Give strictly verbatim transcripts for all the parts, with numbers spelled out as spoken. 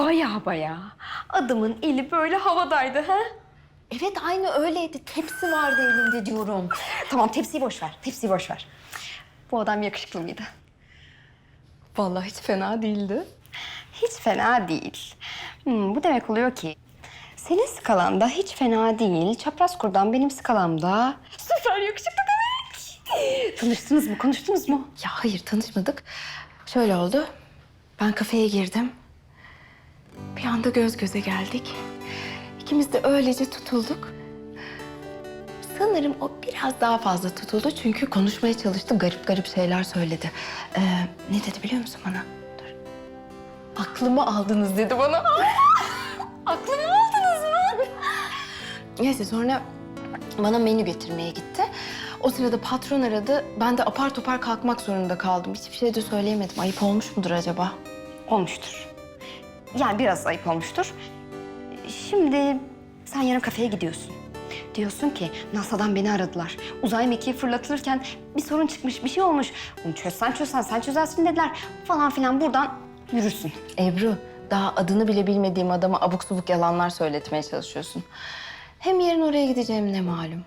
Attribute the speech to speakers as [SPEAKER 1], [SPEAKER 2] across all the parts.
[SPEAKER 1] Baya baya. Adamın eli böyle havadaydı ha?
[SPEAKER 2] Evet, aynı öyleydi. Tepsi vardı elinde diyorum.
[SPEAKER 1] Tamam tepsiyi boş ver, tepsiyi boş ver. Bu adam yakışıklı mıydı?
[SPEAKER 2] Vallahi hiç fena değildi.
[SPEAKER 1] Hiç fena değil. Hmm, bu demek oluyor ki senin skalanda hiç fena değil. Çapraz kurdan benim skalamda süper yakışıklı demek. Tanıştınız mı, konuştunuz mu?
[SPEAKER 2] Ya hayır, tanışmadık. Şöyle oldu. Ben kafeye girdim. Bir anda göz göze geldik. İkimiz de öylece tutulduk. Sanırım o biraz daha fazla tutuldu çünkü konuşmaya çalıştı, garip garip şeyler söyledi. Ee, ne dedi biliyor musun bana? Dur. Aklımı aldınız dedi bana.
[SPEAKER 1] Aklımı aldınız mı?
[SPEAKER 2] Neyse sonra bana menü getirmeye gitti. O sırada patron aradı. Ben de apar topar kalkmak zorunda kaldım. Hiçbir şey de söyleyemedim. Ayıp olmuş mudur acaba?
[SPEAKER 1] Olmuştur. Yani biraz ayıp olmuştur. Şimdi sen yarın kafeye gidiyorsun. Diyorsun ki NASA'dan beni aradılar. Uzay mekiği fırlatılırken bir sorun çıkmış, bir şey olmuş. Bunu çözsen çözsen sen çözersin dediler falan filan buradan yürürsün.
[SPEAKER 2] Ebru, daha adını bile bilmediğim adama abuk subuk yalanlar söyletmeye çalışıyorsun. Hem yarın oraya gideceğim ne malum.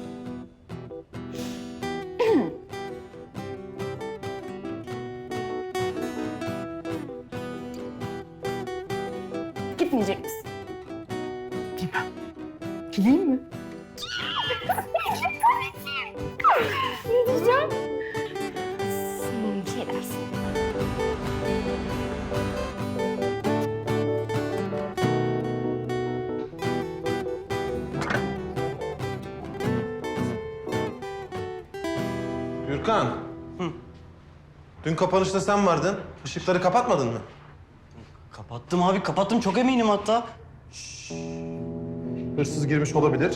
[SPEAKER 1] Gitmeyecek misin?
[SPEAKER 2] Gideyim mi?
[SPEAKER 1] Ne diyeceğim? Hmm, şey dersin.
[SPEAKER 3] Gürkan. Hı. Dün kapanışta sen vardın. Işıkları kapatmadın mı?
[SPEAKER 4] Kapattım abi, kapattım. Çok eminim hatta.
[SPEAKER 3] Hırsız girmiş olabilir.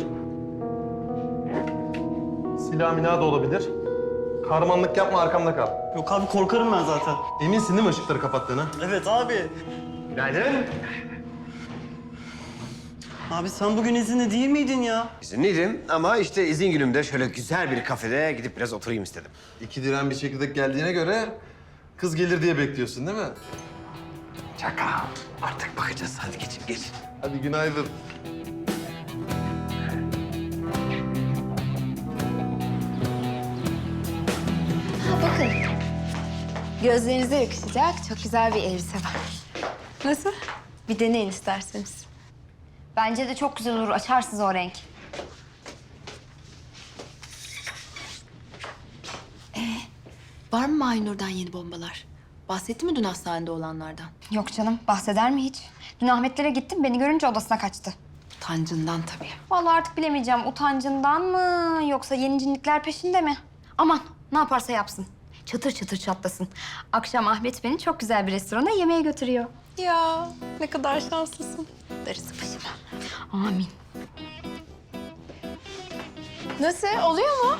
[SPEAKER 3] Silah milah da olabilir. Kahramanlık yapma, arkamda kal.
[SPEAKER 4] Yok abi, korkarım ben zaten.
[SPEAKER 3] Eminsin değil mi ışıkları kapattığına?
[SPEAKER 4] Evet abi.
[SPEAKER 3] Günaydın.
[SPEAKER 4] Abi sen bugün izinli değil miydin ya?
[SPEAKER 5] İzinliydim ama işte izin günümde şöyle güzel bir kafede gidip biraz oturayım istedim.
[SPEAKER 3] İki diren bir çekirdek geldiğine göre kız gelir diye bekliyorsun değil mi?
[SPEAKER 5] Çakal. Artık bakacağız. Hadi geçin, geçin.
[SPEAKER 3] Hadi günaydın.
[SPEAKER 2] Ha bakın. Gözlerinize yakışacak çok güzel bir elbise var. Nasıl? Bir deneyin isterseniz.
[SPEAKER 1] Bence de çok güzel olur. Açarsınız o renk.
[SPEAKER 2] Var mı Maynur'dan yeni bombalar? Bahsetti mi dün hastanede olanlardan?
[SPEAKER 1] Yok canım. Bahseder mi hiç? Dün Ahmetlere gittim. Beni görünce odasına kaçtı.
[SPEAKER 2] Utancından tabii.
[SPEAKER 1] Vallahi artık bilemeyeceğim. Utancından mı yoksa yeni cinlikler peşinde mi? Aman ne yaparsa yapsın. Çatır çatır çatlasın. Akşam Ahmet beni çok güzel bir restorana yemeğe götürüyor.
[SPEAKER 2] Ya ne kadar şanslısın.
[SPEAKER 1] Darısı başıma. Amin.
[SPEAKER 2] Nasıl? Oluyor mu?